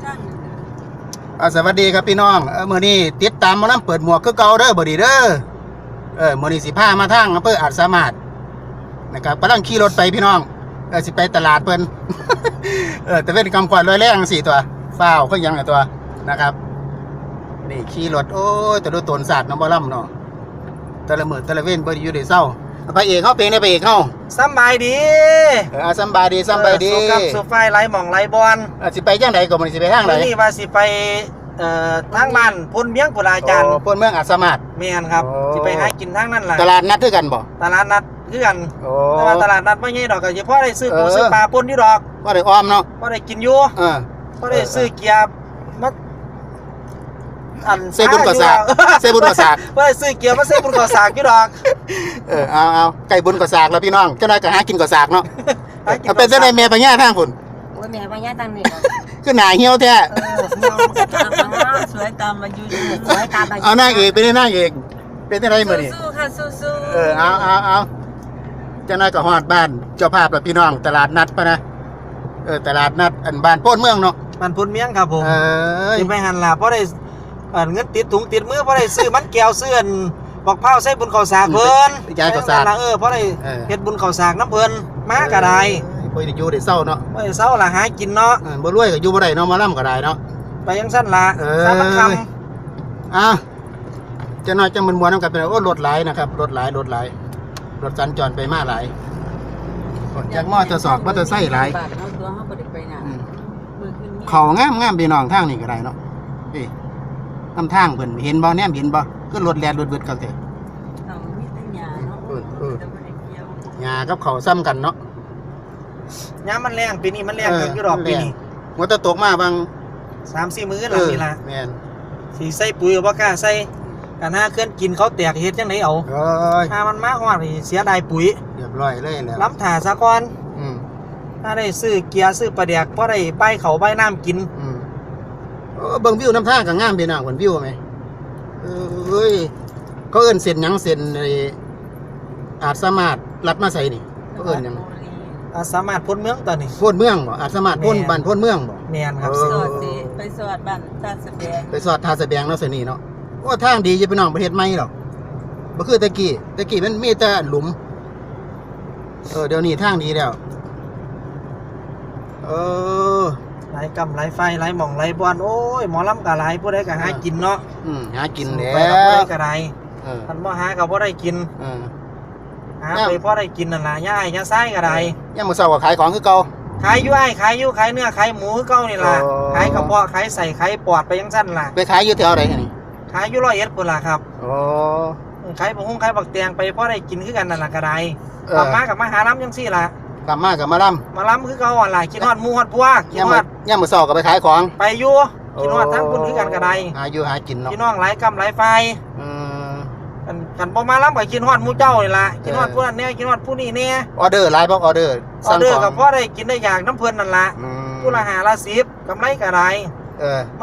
สวัสดีครับพี่น้องมื้อนี้ติดตามหมอลำเปิดหมวกคือเก่าเด้อบ่ดีเด้อมื้อนี้สิพามาทางอำเภออาจสามารถนะครับกำลังขี่รถไปพี่น้องสิไปตลาดเพิ่น แต่เป็นกำขวัญลอยแรง4ตัวฟ้าวก็ยังไงตัวนะครับนี่ขี่รถโอ้ยแต่ดูตนศาสตร์น้ำบ่ลำเนาะแต่ละมื้อแต่ละเว้นบ่ได้อยู่ได้เศร้าพระเอกเฮาเป็นได้พระเอกเฮาสบายดีสบายดีสบายดีสุกับสุไฟไล่หม่องไล่บอลสิไปจังไดก็มื้อนี้สิไปทางไหนนี่ว่าสิไปทางบ้านพลเมียงปุราจารย์พลเมืองอาจสามารถแม่นครับสิไปหากินทางนั้นล่ะตลาดนัดคือกันบ่ตลาดนัดคือกันแต่ว่าตลาดนัดบ่ใหญ่ดอกก็สิพอได้ซื้อปูซื้อปลาปนอยู่ดอกบ่ได้อ้อมเนาะบ่ได้กินอยู่บ่ได้ซื้อเกียร์มาอันเซบุญก่อสากเซบุญก่อสากบ่ได้ซื้อเกียร์มาเซบุญก่อสากอยู่ดอกเอาไก่บุญก่อสากแล้วพี่น้องเจ้านายก็หากินก่อสากเนาะเป็นจังได๋แม่ปัญญาทางพุ่นโอ้ยแม่ปัญญาทางนี้คือหน้าเหี่ยวแท้สวยตามมาอยู่สวยตามมาเอานางเอกเป็นนางเอกเป็นจังได๋มื้อนี้สู้ค่ะสู้เอาเจ้านายก็ฮอดบ้านเจ้าภาพแล้วพี่น้องตลาดนัดปะนะตลาดนัดอันบ้านโพนเมืองเนาะบ้านพลเมียงครับผมสิไปหันล่ะบ่ได้เงินติดถุงติดมือเพราะได้ซื้อมันแก้วซื้อบอกเผาใส่บุญข้าวสากเพิ่นยายข้าวสากเพราะได้เฮ็ดบุญข้าวสากน้ำเพิ่นมาก็ได้บ่ได้อยู่ได้เศร้าเนาะบ่ได้เศร้าล่ะหากินเนาะบ่รวยก็อยู่บ่ได้เนาะมาล่ำก็ได้เนาะไปจังซั่นล่ะสามัญคจะน้อยจังมันมวนนำกันเป็นรถหลายนะครับรถหลายรถสัญจรไปมาหลายจากมอเตอร์ไซค์มอเตอร์ไซค์หลายเขางามพี่น้องทางนี้ก็ได้เนาะนี่นำทางเพิ่นเห็นบ่แนมเห็นบ่คือรถแล่นรถเบิดคักแท้หญ้ากับเขาซ้ำกันเนาะยามมันแรงปีนี้มันแรงอยู่ดอกปีนี้ว่าจะตกมาบาง 3-4 มื้อหลังนี่ล่ะแม่นสิใส่ปุ๋ยบ่กล้าใส่กันหาเคลื่อนกินเขาแตกเฮ็ดจังได๋เอาถ้ามันมาฮอดนี่เสียดายปุ๋ยเรียบร้อยเลยแล้วล้ำถ่าซะก่อนถ้าได้ซื้อเกียร์ซื้อปลาแดกพอได้ไปเขาไปน้ำกินเบิ่งวิวน้ำทางก็งามพี่น้องเพิ่นวิวมั้ยเขาเอิ้นเส้นหยังเส้นอาจสามารถลัดมาใส่นี่เขาเอิ้นหยังอาจสามารถพ้นเมืองตอนนี้พ้นเมืองบ่อาจสามารถพ้นบ้านพ้นเมืองบ่แม่นครับไปสอดบ้านตาสะแบงไปสอดท่าสะแบงเนาะเส้นนี้เนาะโอ้ทางดีอยู่พี่น้องประเทศใหม่หรอกบ่คือตะกี้มันมีแต่หลุมเดี๋ยวนี้ทางดีแล้วหลายกำหลายไฟหลายหม่องหลายบอนโอ้ยหมอลำกะหลายผู้ใดก็หากินเนาะหากินแล้วผู้ใดก็ได้ท่านบ่หาก็บ่ได้กินหาไปพอได้กินนั่นล่ะย่าย่าไส้ก็ได้ยามมื้อเช้าก็ขายของคือเก่าขายอยู่ขายเนื้อขายหมูคือเก่านี่ล่ะขายกระเพาะขายใส่ขายปอดไปจังซั่นล่ะไปขายอยู่แถวใดนี่ขายอยู่101พุ่นล่ะครับขายบักฮุ้งขายบักแตงไปพอได้กินคือกันนั่นล่ะก็ได้กลับมากับมาหาล้ำจังซี่ล่ะกลับมากับมาล้ำคือเก่าอ่ะล่ะกินฮอดหมูฮอดพวกกินฮอดยามมื้อเช้าก็ไปขายของไปอยู่กินฮอดทั้งพุ่นคือกันก็ได้หาอยู่หากินเนาะพี่น้องหลายกำหลายไฟกันบ่มาล้ำก็กินฮอดหมูเจ้านี่ล่ะกินฮอดผู้นั้นแน่กินฮอดผู้นี้แน่ออเดอร์หลายบ่ออเดอร์ก็พอได้กินได้อย่างน้ำเพิ่นนั่นล่ะผู้ละ5ละ10กำไรก็ได้